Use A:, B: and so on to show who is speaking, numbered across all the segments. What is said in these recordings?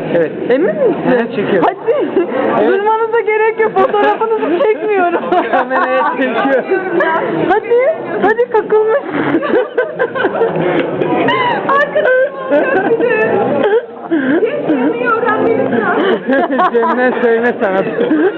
A: Evet.
B: Emin misin?
A: Evet, çekiyorum.
B: Hadi. Durmanıza gerek yok. Fotoğrafınızı çekmiyorum.
A: Kameraya çekiyorum.
B: Hadi. Hadi kakılmış. Arkadaşım bir de. Yemeği öğrenmelisin.
A: Cem'den söyleme sanatı.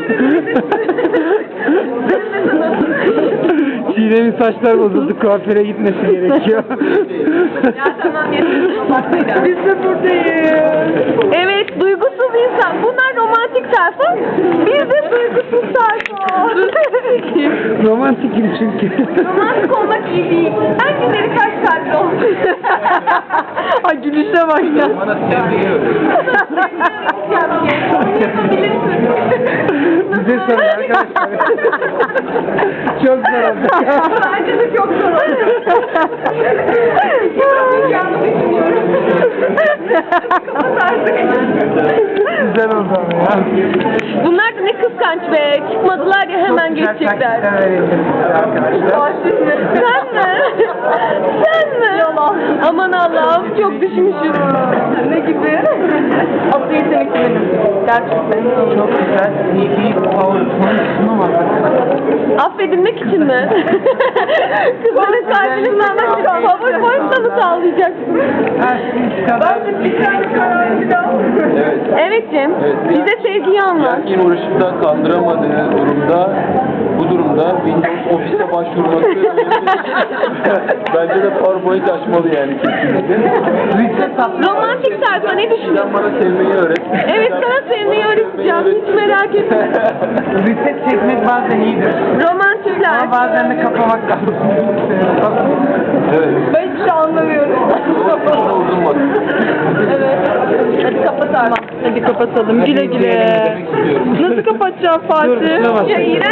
A: Çiğdem'in saçlar bozuldu. Kuaföre gitmesi gerekiyor.
C: Ya tamam yeter.
B: Biz de buradayız. Evet, duygusuz insan. Bunlar romantik sayfa. Biz de duygusuz sayfa.
A: Romantikim çünkü.
C: Romantik olmak iyi değil. Ben günleri kaç kalpli olmuş.
B: Ay gülüşe bak ya.
D: Bana sevgiyi öğret.
A: Bize sorun arkadaşlar. Çok zor oldu.
C: Bence de çok zor oldu.
A: Güzel oldu ama ya.
B: Bunlar da ne kıskanç be. Çıkmadılar ya hemen geçecekler.
A: Arkadaşlar.
B: Sen mi? Sen mi? Yalan. Aman Allah'ım çok düşmüşüz. Ne gibi? Aslı yetenek benim. Gerçekten.
A: Çok güzel. İyi PowerPoint sunum var.
B: Affedilmek için mi? Kızların kalbini sağlamak için PowerPoint'la mı sağlayacaksın?
D: Evet.
B: Evet Cem.
D: Evet.
B: Bize sevgiyi anlat.
D: Erken uğraşıp da kandıramadığı durumda, bu durumda Windows Office'e başvurması bence de PowerPoint açmalı yani kesinlikle.
B: Romantik sayfa ne düşünüyorsun?
D: Sen bana sevmeyi öğret.
B: Evet sana sevmeyi öğreteceğim. Hiç merak etme.
A: Reset çekmek bazen iyidir.
B: Romantikler.
A: Ama bazen de kapamak lazım.
D: Evet.
B: Ben hiç şey anlamıyorum.
D: Şuna uzun bak.
B: Evet. Hadi kapatalım. Hadi kapatalım. Güle güle.
D: Demek istiyorum.
B: Nasıl kapatacağım Fatih?
A: Dur, şuna bas.
B: Ya iğrenç.